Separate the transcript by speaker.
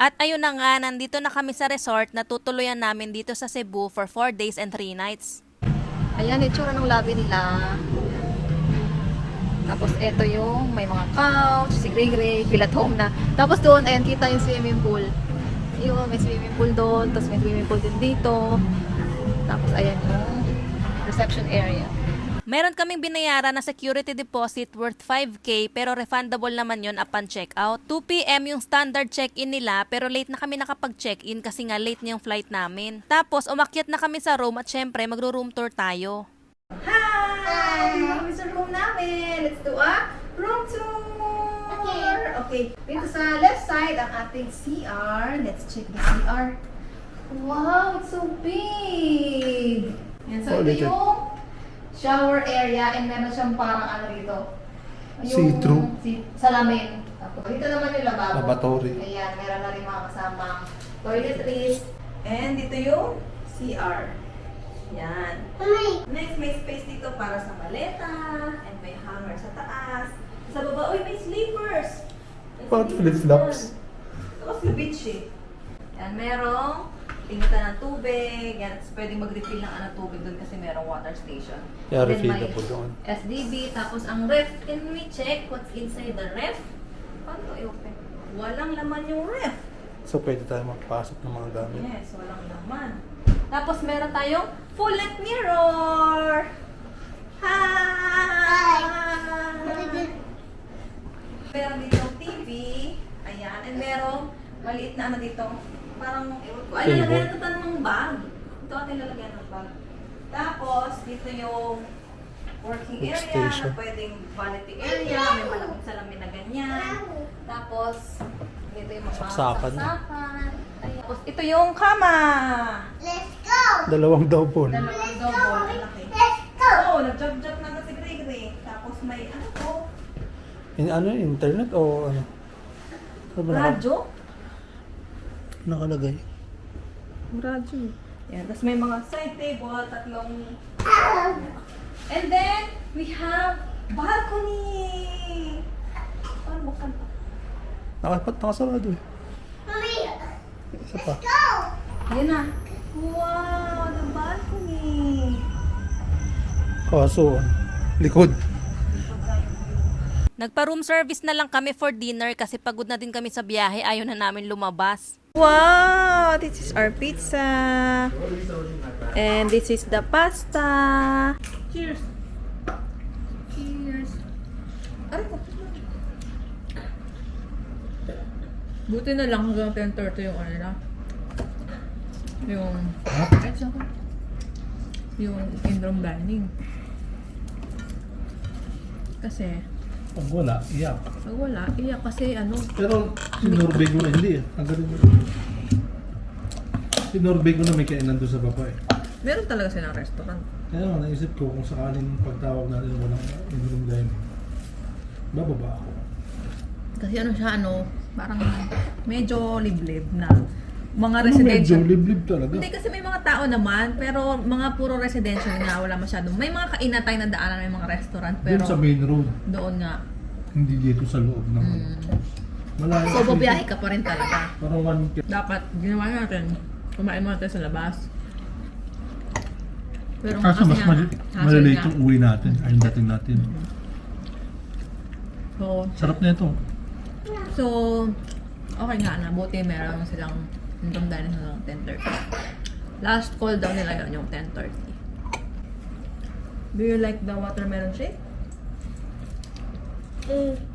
Speaker 1: At ayun na nga, nandito na kami sa resort na tutuluyan namin dito sa Cebu for 4 days and 3 nights.
Speaker 2: Ayan, itsura ng lobby nila. Tapos eto yung may mga couch, si Gray Gray, feel at home na. Tapos doon, ayan, kita yung swimming pool. Yun, may swimming pool doon, tapos may swimming pool din dito. Tapos ayan yung reception area.
Speaker 1: Meron kaming binayaran na security deposit worth 5K pero refundable naman yon upon check-out. 2 PM yung standard check-in nila pero late na kami nakapag-check-in kasi nga late na yung flight namin. Tapos umakyat na kami sa room at syempre magro-room tour tayo.
Speaker 2: Hi! Kami sa room namin. Let's do a room tour! Okay. Dito sa left side, ang ating CR. Let's check the CR. Wow, it's so big! Yan, so ito yung shower area and meron siyang parang ano dito.
Speaker 3: See-through.
Speaker 2: Salamin. Tapos dito naman yung lababo.
Speaker 3: Lavatory.
Speaker 2: Ayan, meron na rin mga kasamang toiletries. And dito yung CR. Yan. Next, may space dito para sa maleta. And may hanger sa taas. Sa baba, uy, may sleepers.
Speaker 3: Bakit flip-flops?
Speaker 2: Tapos yung beach eh. Yan, merong pingitan ng tubig. Yan, pwedeng mag-refill ng tubig doon kasi merong water station.
Speaker 3: Yeah,
Speaker 2: Then may
Speaker 3: refillable doon.
Speaker 2: SDB. Tapos ang ref. Can we check what's inside the ref? Paano to i-open? Walang laman yung ref.
Speaker 3: So, pwede tayo magpasok ng mga gamit.
Speaker 2: Yes, walang laman. Tapos meron tayong full length mirror. Hi! Meron dito TV. Ayan. And merong maliit na ano dito. Parang, ewan ko. Ay,
Speaker 3: Table.
Speaker 2: lalagyan ito ng bag. Ito ating lalagyan ng bag. Tapos, dito yung working area
Speaker 3: Workstation.
Speaker 2: na pwedeng vanity area. May malaking salamin na ganyan. Tapos, dito yung mga
Speaker 3: Saksakan.
Speaker 2: saksakan. Ayan. Tapos, ito yung kama.
Speaker 3: Dalawang double.
Speaker 2: Dalawang double. Laki. Oo, nag-jog-jog na si Gray-Gray. Tapos may ano to?
Speaker 3: Ano, internet o ano? Ano ba
Speaker 2: Radyo?
Speaker 3: nakalagay?
Speaker 2: Radyo. Yan. Tapos may mga side table, tatlong... And then, we have balcony! Paano buksan pa?
Speaker 3: Nakasarado eh. Isa pa.
Speaker 2: Ayan na. Wow, the balcony!
Speaker 3: Kaso, likod.
Speaker 1: Nagpa-room service na lang kami for dinner kasi pagod na din kami sa biyahe, ayaw na namin lumabas. Wow! This is our pizza! And this is the pasta!
Speaker 2: Cheers! Cheers! Aray ko.
Speaker 4: Buti na lang hanggang 10:30 yung ano na. Yung... Ay, saan ka? Yung in-room dining. Kasi,
Speaker 3: Pag wala, iyak.
Speaker 4: pag wala, iyak kasi ano,
Speaker 3: Pero si Norvego na hindi eh. Ang galing mo. Si Norvego na may kainan doon sa baba eh.
Speaker 4: meron talaga silang restaurant.
Speaker 3: Kaya naman, naisip ko kung sakaling pagtawag natin walang in-room dining, bababa ako.
Speaker 4: Kasi ano siya, ano, parang medyo liblib na mga
Speaker 3: Ano medyo
Speaker 4: residential.
Speaker 3: liblib talaga.
Speaker 4: Hindi kasi may mga tao naman, pero mga puro residential na wala masyadong. May mga kainatay na daanan, may mga restaurant, pero
Speaker 3: Doon sa main road,
Speaker 4: doon nga.
Speaker 3: hindi dito sa loob ng malayo.
Speaker 4: So, babiyahe ka pa rin talaga.
Speaker 3: Parang 1
Speaker 4: Dapat, ginawa natin, kumain muna tayo sa labas. Pero
Speaker 3: Kaso mas
Speaker 4: hassle
Speaker 3: malilate
Speaker 4: nga.
Speaker 3: yung uwi natin, ay dating natin.
Speaker 4: So,
Speaker 3: Sarap na ito.
Speaker 4: So, okay nga na. Buti meron silang hanggang dahil hanggang 10:30. Last call daw nila yun, yung 10:30. Do you like the watermelon shake?